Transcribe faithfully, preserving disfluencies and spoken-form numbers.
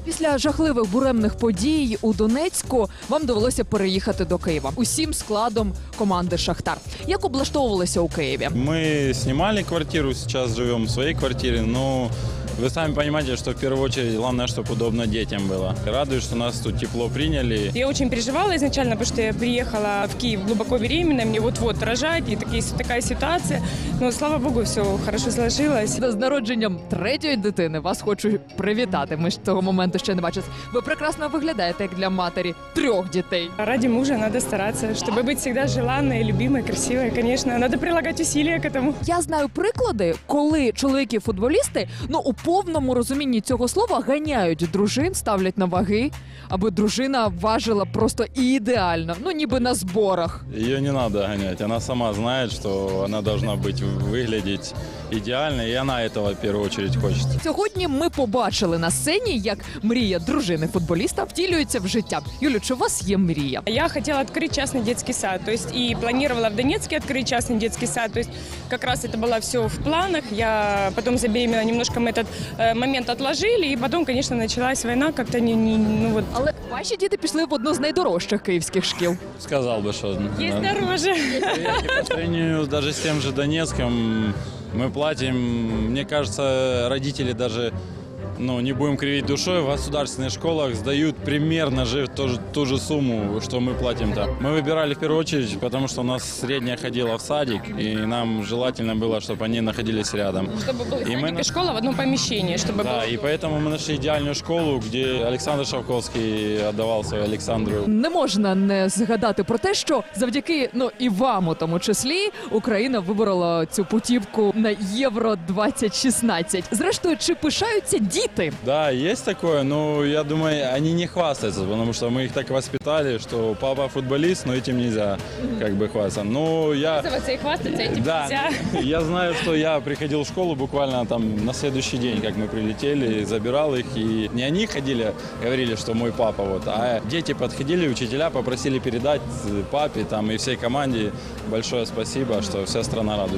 Після жахливих буремних подій у Донецьку вам довелося переїхати до Києва усім складом команди «Шахтар». Як облаштовувалися у Києві? Мы снимали квартиру, сейчас живем в своей квартире, но вы сами понимаете, что в первую очередь главное, чтобы удобно детям было. Радует, что нас тут тепло приняли. Я очень переживала изначально, потому что я приехала в Киев глубоко беременная, мне вот-вот рожать, и такие, такая ситуация. Но, слава богу, все хорошо сложилось. З народженням третьої дитини вас хочу привітати. Ми ж того моменту ще не бачили. Ви прекрасно виглядаєте, як для матері трьох дітей. Ради мужа надо стараться, чтобы быть всегда желанной, любимой, красивой. Конечно, надо прилагать усилия к этому. Я знаю приклади, коли чоловіки-футболісти, ну у повному розумінні цього слова, ганяють дружин, ставлять на ваги, аби дружина важила просто ідеально, ну ніби на зборах. Ее не надо гонять, она сама знает, что она должна быть, выглядеть идеально, и она этого в первую очередь хочет. Сьогодні ми побачили на сцені, як мрія дружини-футболіста втілюється в життя. Юлю, чи у вас є мрія? Я хотела открыть частный детский сад, то есть и планировала в Донецке открыть частный детский сад, то есть как раз это было все в планах. Я потом забеременела, немножко мы этот э, момент отложили, и потом, конечно, началась война, как-то не, не, ну вот. Але ваші діти пішли в одну з найдорожчих київських шкіл. Сказал бы, что... Есть да. дороже. И по сравнению даже с тем же Донецком, мы платим, мне кажется, родители даже, ну, не будем кривить душой, в государственных школах сдают примерно же ту, же- ту же сумму, что мы платим там. Мы выбирали в первую очередь, потому что у нас средняя ходила в садик, и нам желательно было, чтобы они находились рядом. Чтобы был И садик мы и на- школа в одном помещении, чтобы Да, было... и поэтому мы нашли идеальную школу, где Александр Шавковский отдавал свою Александру. Не можна не згадати про те, що завдяки, ну і вам у тому числі, Україна виборола цю путівку на Євро двадцять шістнадцять. Зрештою, чи пишаються діти? Да, есть такое, но я думаю, они не хвастаются, потому что мы их так воспитали, что папа футболист, но этим нельзя как бы хвастаться. Но я... Пользоваться и хвастаться этим Да, нельзя. я знаю, что я приходил в школу буквально там на следующий день, как мы прилетели, забирал их, и не они ходили, говорили, что мой папа, вот, а дети подходили, учителя попросили передать папе там и всей команде большое спасибо, что вся страна радует.